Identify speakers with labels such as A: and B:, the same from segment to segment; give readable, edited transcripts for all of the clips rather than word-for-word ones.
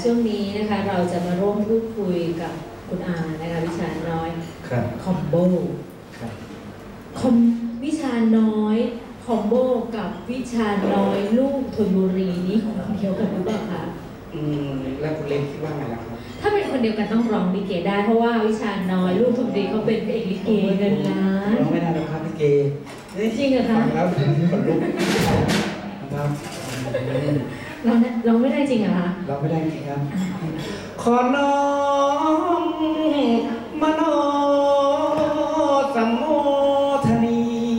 A: ช่วงนี้นะคะเราจะมาร่วมพูดคุยกับคุณอานะคะวิชาน้อยคอมโบวิชาน้อยคอมโบกับวิชาน้อยลูกธนบุรีนี้ของคนเดียวกันหรือเปล่าคะ
B: แล้วคุณเล็กคิดว่าไงล่ะครับ
A: ถ้าเป็นคนเดียวกันต้องร้องลิเกได้เพราะว่าวิชาน้อยลูกธนบุรีเขาเป็นเอกลิเกเงินล้าน
B: ร้องไม่ได้หรอกครับลิเก
A: จริงเหรอคะ
B: ฟังแล้วขนลุกนะครับ
A: ร้องไม่ได้จริงเหรอคะ
B: ร้องไม่ได้จริงครับขอน้อมมโนสัมโมทนี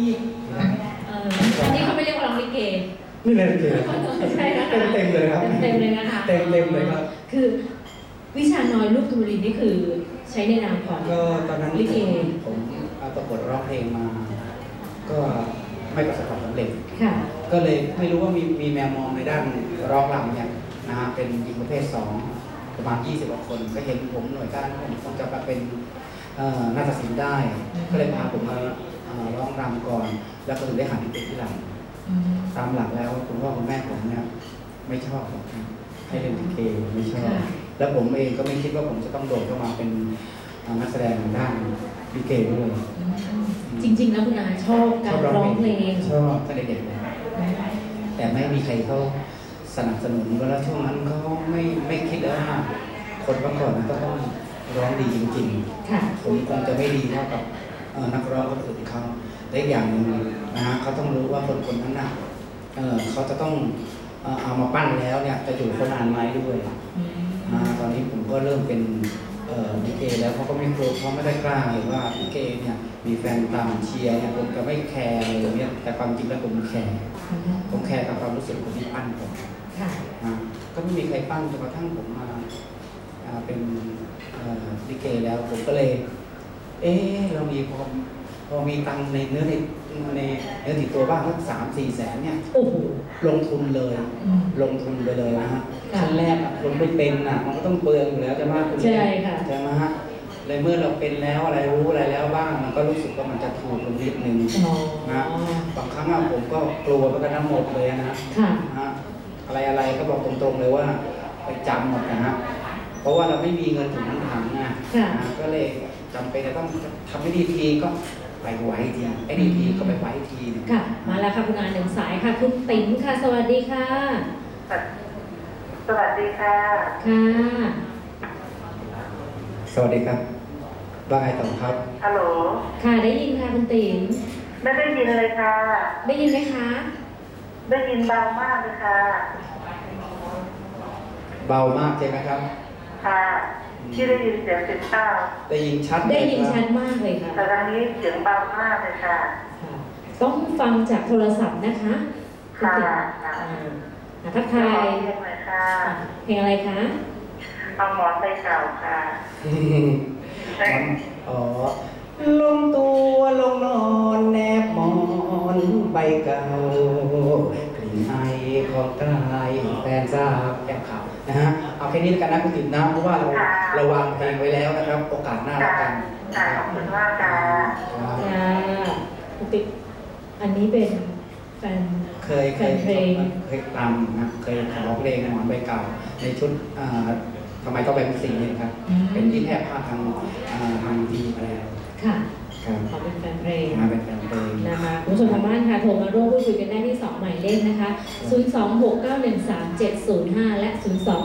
A: อันนี้เขาไม่เรียกว่าร้องลิเก
B: นี่เลยลิเก
A: ใช่นะคะ
B: เต็มเลยครับ
A: เต็มเลยนะคะ
B: เต็มเลยครับ
A: คือวิชาน้อยลูกธนบุรีนี่คือใช้ในนามของ
B: ก็ตอนนั้น
A: ลิเก
B: ผมประกวดร้องเพลงมาก็ไม่ประสบความสำเร็จก็เลยไม่รู้ว่ามีแมวมองในด้านร้องรำเนี่ยนะฮะเป็นหญิงประเภท2ประมาณ20 กว่าคนก็เห็นผมหน่วยก้านผมคงจะเป็นนาฏศิลป์ได้ก็เลยพาผมมาร้องรำก่อนแล้วก็ถึงได้หันไปที่หลังตามหลักแล้วคุณพ่อคุณแม่ผมเนี่ยไม่ชอบให้เล่นลิเกไม่ชอบแล้วผมเองก็ไม่คิดว่าผมจะต้องโดดเข้ามาเป็นนักแสดงด้านลิเกด้วย
A: จริงๆแล้วคุณอาชอบการร้องเพลง
B: ชอบตั้งแต่เด็กเลยแต่ไม่มีใครเขาสนับสนุนแล้วช่วงนั้นเขาไม่คิดแล้วว่าคนเมื่อก่อนก็ต้องร้องดีจริงๆผมคงจะไม่ดีเท่ากับนักร้องคนอื่นเขาแต่อย่างหนึ่งนะฮะเขาต้องรู้ว่าคนนั้นน่ะเขาจะต้องเอามาปั้นแล้วเนี่ยจะอยู่คนนานไหมด้วยตอนนี้ผมก็เริ่มเป็นลิเกแล้วเขาก็ไม่กลัวเขาไม่ได้กล้าเลยว่าลิเกเนี่ยมีแฟนตามเชียร์เนี่ยผมจะไม่แคร์เลยเนี่ยแต่ความจริงแล้วผมแคร์กับความรู้สึกคนที่ปั้นผมก็ไม่มีใครปั้นจนกระทั่งผมมาเป็นลิเกแล้วผมก็เลยเรามีพอมีตังในเนื้อติดตัวบ้างสัก3-4 แสนเนี่ยลงทุนเลยไปเลยนะฮะขั้นแรกคนไม่เป็นมันก็ต้องเปลืองอยู่แล้วจะมากคุณ
A: ใช่ค่ะ
B: ใช่ไหมฮะเลยเมื่อเราเป็นแล้วอะไรรู้อะไรแล้วบ้างมันก็รู้สึกว่ามันจะถูกลงนิดนึงนะบางครั้งผมก็กลัวไปกันทั้งหมดเลยนะอะไรก็บอกตรงๆเลยว่าไปจำหมดนะฮะเพราะว่าเราไม่มีเงินถึงถังก็เลยจำเป็นจะต้องทำให้ดีทีก็ไปไว้ทีไอ้ดีทีก็ไปไว้ที
A: ค่ะมาแล้วค่ะคุณอา1 สายค่ะคุณติ๋มค่ะสวัสดีค่ะ
C: สวัสดีค่ะ
A: ค่ะ
B: สวัสดีครับว่าไงต่อครับ
C: ฮัลโหล
A: ค่ะได้ยินค่ะคุณติ๋ม
C: ไม่ได้ยินเลยค่ะ
A: ได้ยินไหมคะ
C: ได้ยินเบามากเลยค่ะ
B: เบามากใช่ไหมครับ
C: ค่ะที่ได้ยินเสียงเต้า
B: ได้ยินชัด
A: มากเลยค่ะ
C: แต่ทางนี้เสียงเบามากเลยค่ะ
A: ต้องฟังจากโทรศัพท์นะคะ
C: ค่ะ
A: ทักทายเพลงอะไรคะ
C: เอาหมอนใบเก่าค่ะ
B: ลงตัวลงนอนแนบหมอนใบเก่ากลิ่นไอของกายแฟนทราบแก้มขาวนะฮะเอาแค่นี้กันนะคุณติ๋มนะเพราะว่าเราวางเพลงไว้แล้วนะครับโอกาสหน้าแล้วกัน
C: ขอบคุณมากค่ะ
A: คุณติ๋มอันนี้เป็นแฟน
B: เคยตามนะเคยขอร้องเพลงหมอนใบเก่าในชุดทำไมต้องเป็นสีนี้ครับเป็นที่แทบภาพทางดีอะไร
A: ค่ะขอเป็นแฟนเพลง
B: เป็นแฟนเพลง
A: นะคะคุณผู้ชมทางบ้านค่ะโทรมาร่วมพูดคุยกันได้ที่2 หมายเลขนะคะ026913705และ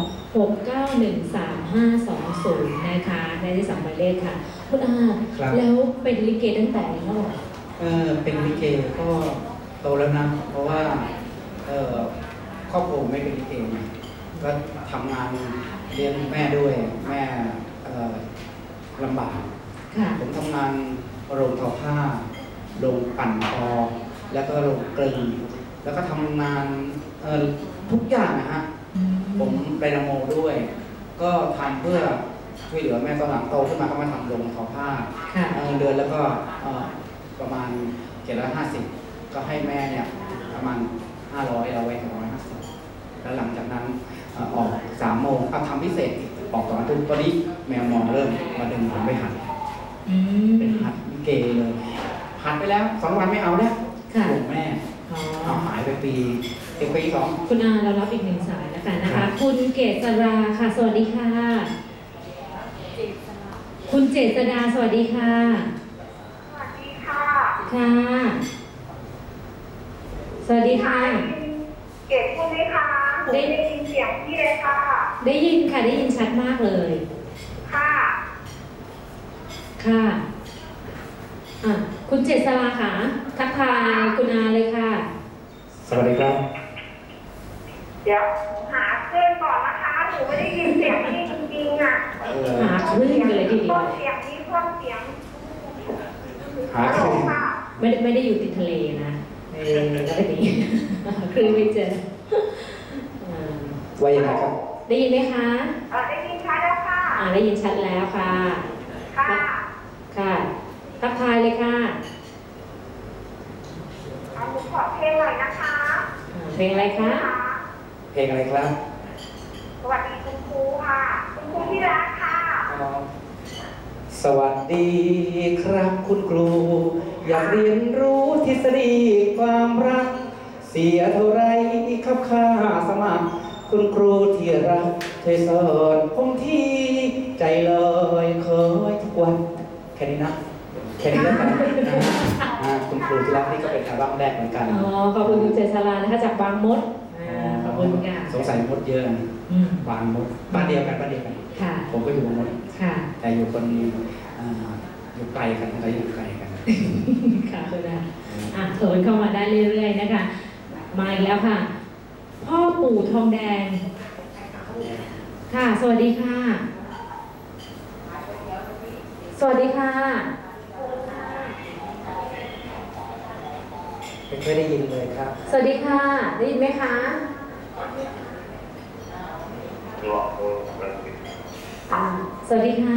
A: 026913520นะคะได้ที่2 หมายเลขค่ะคุณอาแล้วเป็นลิเกตั้งแต่เมื่อไหร่
B: เป็นลิเกก็โตแล้วนะเพราะว่าครอบครัวไม่เป็นลิเกก็ทำงานเลี้ยงแม่ด้วยแม่ลำบากผมทำงานโรงทอผ้าโรงปั่นทอแล้วก็โรงกลึงแล้วก็ทำงานทุกอย่างนะฮะผมไปนโมด้วยก็ทำเพื่อช่วยเหลือแม่ตอนหลังโตขึ้นมาก็มาทำโรงทอผ้าเดือนแล้วก็ประมาณ750ก็ให้แม่เนี่ยประมาณ500เราไว้150แล้วหลังจากนั้นออก3 โมงทำพิเศษออก2 ทุ่มตอนนี้แมวมองเริ่มมาดึงผมไปหัดเป็นหัดลิเกเลยหัดไปแล้ว2 วันไม่เอาแล้วถูกแม่เอาหายไปปี2
A: คุณอาเรารับอีก1 สายแล้วกันนะคะคุณเกษราค่ะ สวัสดีค่ะ คุณเจษดาสวัสดีค่ะ
C: สวัสดีค่ะ
A: ค่ะ สวัสดีค่ะ
C: เก็บพูดไหมคะได้ยินเสียงพี่เลยค่ะ
A: ได้ยินค่ะ ได้ยินชัดมากเลย
C: ค่ะ
A: ค่ะอ่ะ คุณเจษราค่ะ ทักทายคุณอาเลยค่ะ
B: สวัสดีครับ
C: เดี๋ยวหาเครื่องก่อนนะคะ หนูไม่ได้ยินเสียงพี่จริงๆอ่ะ
A: หาคลื่นกันเลยทีเดียว
C: เสียงนี้เพิ่มเสียง
B: หาคลื่น
C: ค่ะ
A: ไม่ได้อยู่ติดทะเลนะแล้วทีนี้ คลื่นไม่เจออ่า
B: ว่ายังไงครับ
A: ได้ยินไหมคะ
C: ได้ยินชัดแล้วค่ะ
A: ได้ยินชัดแล้วค่ะ
C: ค่ะ
A: ค่ะ ทักทายเลยค่ะ
C: หนูขอเพลงหน่อยนะคะ
A: เพลงอะไรคะ
B: เพลงอะไรครับ
C: สวัสดีคุณครูค่ะ คุณครูที่รักค่ะ
B: สวัสดีครับคุณครู อยากเรียนรู้ทฤษฎีความรัก เสียเท่าไรครับค่าสมัคร คุณครูที่รักช่วยสอนผมที่ใจลอยคอยทุกวันแค่นี้นะแค่นี้แล้วกันคุณครูที่รักนี่ก็เป็นอัลบั้มแรกเหมือนกัน
A: ขอบคุณคุณเจษรานะคะจากบางมดขอบคุณค่ะ
B: สงสัยมดเยอะนะ บางมดบ้านเดียวกัน
A: ค่ะ
B: ผมก็อยู่บางมด
A: ค่ะ
B: แต่อยู่คนอยู่ไกลกันเราอยู่ไกลกัน
A: ค่ะคุณอาโทรเข้ามาได้เรื่อยๆนะคะ มาอีกแล้วค่ะ พ่อปู่ทองแดง ค่ะ สวัสดีค่ะ สวัสดีค่ะ
B: ไม่เคยได้ยินเลยครับ
A: สวัสดีค่ะ ได้ยินไหมคะสวัสดีค่ะ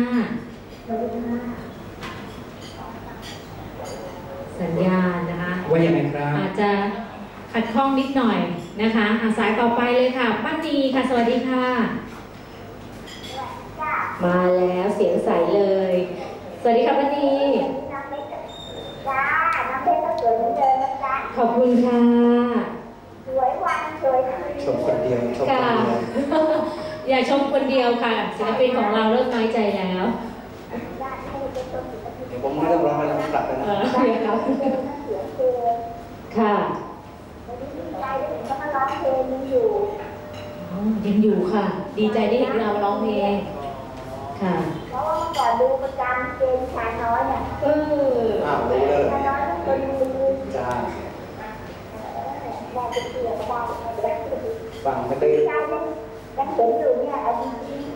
A: สัญญาณนะคะ
B: ว่ายังไงครับ
A: อาจจะขัดข้องนิดหน่อยนะคะสายต่อไปเลยค่ะป้านีค่ะ สวัสดีค่ะ มาแล้วเสียงใสเลย สวัสดีค่ะป้านี
C: จ้า น้ำเพชรก็สวยเหมือนเดิมนะจ๊ะ
A: ขอบคุณค่ะ
C: สวยวันสวยคืน
B: ชมคนเดียวชมคน
A: ค่ะ
B: เดียว
A: อย่าชมคนเดียวค่ะศิลปินของเราเริ่มน้อยใจแล้ว
B: เดี๋ยวผมเริ่มร้องไปแล้วผมกลับไปนะ
A: เดี๋ยวครับ
C: เสียงเกิน
A: ค่ะ
C: วันนี้ดีใจได้เห็นเขามาร้องเพลงนี้อยู่
A: ยังอยู่ค่ะ ดีใจได้เห็นเราร้องเพลงค่ะ
C: เพราะว่าเมื่อก่อนดูประจำเกมชายน้อยเนี่ย
B: อ้าวรู้เลย
C: ชายน้อยคนดู
B: จ้า
C: ว่าจะเสียก็ว่าจะได้
B: ฟังไม่ได้
C: ใจยังเห็นอยู่เนี่ยเอาจริง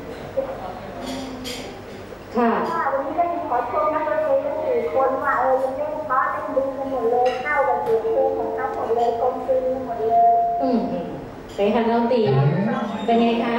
A: ค่ะ
C: ๆว่าวันนี้ก็ยังขอชมนักดนตรีทั้ง4 คนว่ายังเล่นเพราะเล่นดีกันหมดเลยเข้ากับเสียงเพลงของเขาหมดเลยกลมกลืนกันหมดเลย
A: เป็นค่ะน้องตีเป็นไงคะ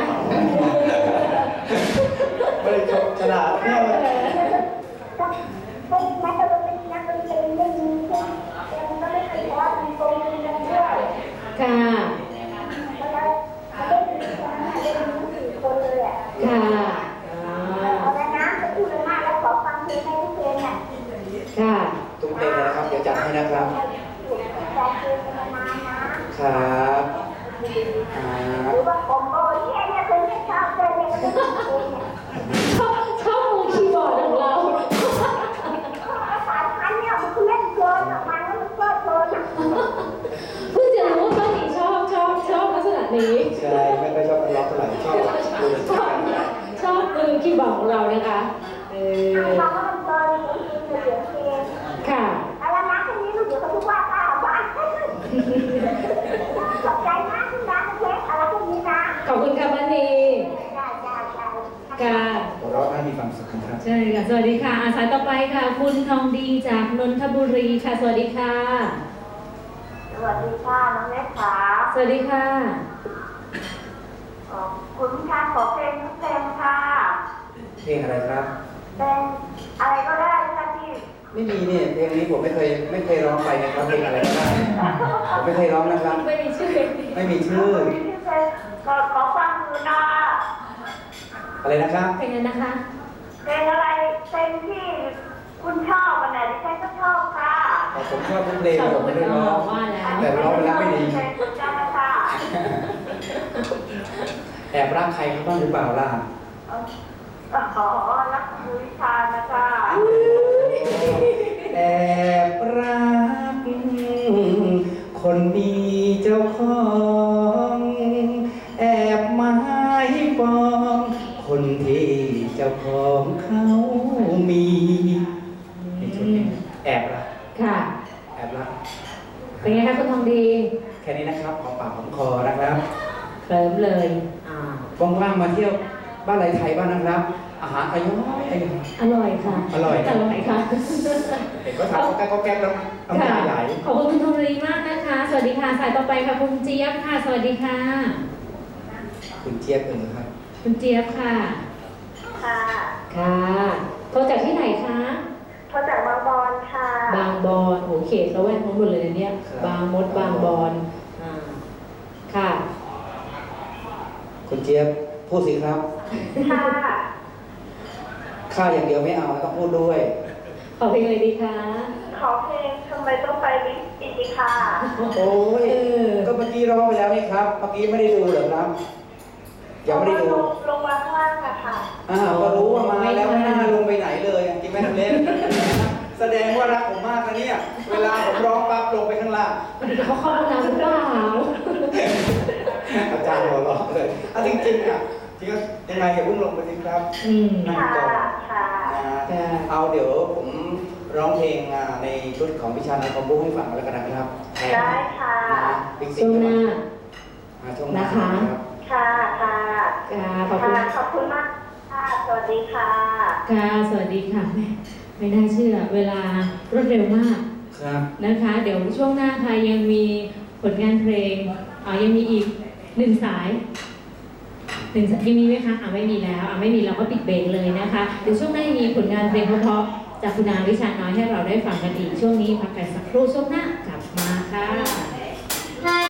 B: ไม่ได้ชมฉลาดแน่เลย
C: ก็เป็นนักดนตรีนักดนตรีไม่มีใช่ไหมมันก็ไม่เคยเพราะมันกลมกลืนกันด้วย
A: ค่ะ
C: มันได้ดีคนนั้นได้ดี4 คนเลยอ่ะ
A: ค่ะ
C: เอาแล้วนะจะพูดมากแล้วขอฟังเพลงให้ทุกเพลงอ่ะ
A: ค่ะ
B: ทุกเพลงเลยนะครับ เดี๋ยวจัดให้นะครับ
C: ฟังเพลงมานานนะครับ หรือว่าผมก็เนี่ยเพลงที่ชอบเลยเนี่ยก็เป็นเพลงเนี่ย
A: ชอบมือคีย์บอร์ดของเรา
C: 3,000เนี่ยมันคือเล่นเกินอ่ะมันแล้วมันก็เกินอ่ะ
A: เพิ่งจะรู้ว่าป้าหนีชอบลักษณะนี้
B: ใช่ไม่ค่อยชอบร้องเท่าไหร่ชอบดู
A: ชอบมือคีย์บอร์ดของเรานะคะ
C: ฟังแล้วมันเกินเสียงเพลง
A: ค่ะ
C: อะไรนะทีนี้ลูกเดี๋ยวเขาทุกว่าป้าบ้านขอบใจมากที่ร้านเค้กอะไรพวกนี้นะ
A: ขอบคุณค่ะป้านี
C: จ้า
A: ค่ะ
B: หัวเราะน่ามีความสุขครับ
A: ใช่ค่ะ สวัสดีค่ะสายต่อไปค่ะ คุณทองดีจากนนทบุรีค่ะ สวัสดีค่ะ
C: สวัสดีค่ะน้องเล็กขา
A: สวัสดีค่ะ
C: คุณค่ะขอเพลงทุกเพลงค่ะ
B: เพลงอะไรครับ
C: เพลงอะไรก็ได้ค่ะที่
B: ไม่มีเนี่ยเพลงนี้ผมไม่เคยร้องไปนะครับเพลงอะไรก็ได้ผมไม่เคยร้องนะครับ
A: ไม่มีชื่อ
B: ไม่มีชื่อ
C: ขอฟังดูนะ
B: อะไรนะครับ
A: เพลงนั้นนะคะ
C: เพลงอะไรเพลงที่คุณชอบอันไหนดิฉันก็ชอบค่ะ
B: ผมชอบทุกเพลงแต่ผมไม่ได้ร้อง
A: ว่าแล้ว
B: แต่ร้องไปแล้วไม่ดี
C: เพลงคุณจำนะคะ
B: ไอบรักใครเขาบ้างหรือเปล่าล่ะ
C: ขอรักคุณวิชานะคะ
B: แอบรักคนมีเจ้าของแอบหมายปองคนที่เจ้าของเขามีนี่ชุดนี้แอบรัก
A: ค่ะ
B: แอบรัก
A: เป็นไงคะคุณทองดี
B: แค่นี้นะครับหอมปากหอมคอนะครับ
A: เคลิ้มเลย
B: ว่างๆมาเที่ยวบ้านไรไทยบ้างนะครับ อาหารอร่อย
A: อร่อยค่ะ
B: อร่อย
A: อร่อยค่ะ
B: เห็นก็ทานก็แก๊กแล้วน้ำตาไหล
A: ขอบคุณคุณทองดีมากนะคะ สวัสดีค่ะสายต่อไปค่ะคุณเจี๊ยบค่ะ สวัสดีค่ะ
B: คุณเจี๊ยบครับ
A: คุณเจี๊ยบค่ะ
C: ค่ะ
A: ค่ะโทรจากที่ไหนคะ
C: โทรจากบางบอนค่ะ
A: บางบอนโหเขตละแวกนั้นหมดเลยนะเนี่ย บางมดบางบอนค่ะ
B: คุณเจี๊ยบพูดสิครับ
C: ค่ะ
B: ข้าอย่างเดียวไม่เอาต้องพูดด้วย
A: ขอเพลงเลยดีคะ
C: ขอเพลงทำไมต้องไปลิสติกค่ะ
B: โอ้ยก็เมื่อกี้ร้องไปแล้วนี่ครับ เมื่อกี้ไม่ได้ดูเหรอครับ ยังไม่ได้ดู
C: ลงมาข้างล่างอะค่ะ
B: ก็รู้ว่ามาแล้วไม่น่าลงไปไหนเลยจริงไหมทำเล่น แสดงว่ารักผมมากนะเนี่ย เวลาผมร้องปั๊บลงไปข้างล่าง
A: เขาเข้าห้องน้ำหรือเปล่า
B: อาจารย์หัวเราะเลยจริงๆอ่ะจริงๆยังไงอย่าเพิ่งลงไปสิครับนั่ง
C: ค่ะ
B: ก่อน
C: ค่ะ
B: เอาเดี๋ยวผมร้องเพลงในชุดของวิชาในคอมโบให้ฟังแล้วกันนะครับ
C: ได้ค่ะ
A: ช่วงหน้า
B: ช่วงหน้า
A: นะคะ
B: ครับ
C: ค่ะค่ะ
A: ค่ะขอบคุณ
C: ค่ะขอบคุณมากค่ะ สวัสดีค่ะ
A: ค่ะสวัสดีค่ะแม่ไม่น่าเชื่อเวลารวดเร็วมาก
B: ครับ
A: นะคะ เดี๋ยวช่วงหน้าค่ะยังมีผลงานเพลงยังมีอีก1 สายยังมีไหมคะไม่มีแล้วไม่มีเราก็ปิดเบรกเลยนะคะเดี๋ยวช่วงหน้ายังมีผลงานเพลงเพราะๆจากคุณอาวิชาน้อยให้เราได้ฟังกันอีกช่วงนี้พักกันสักครู่ช่วงหน้ากลับมาค่ะ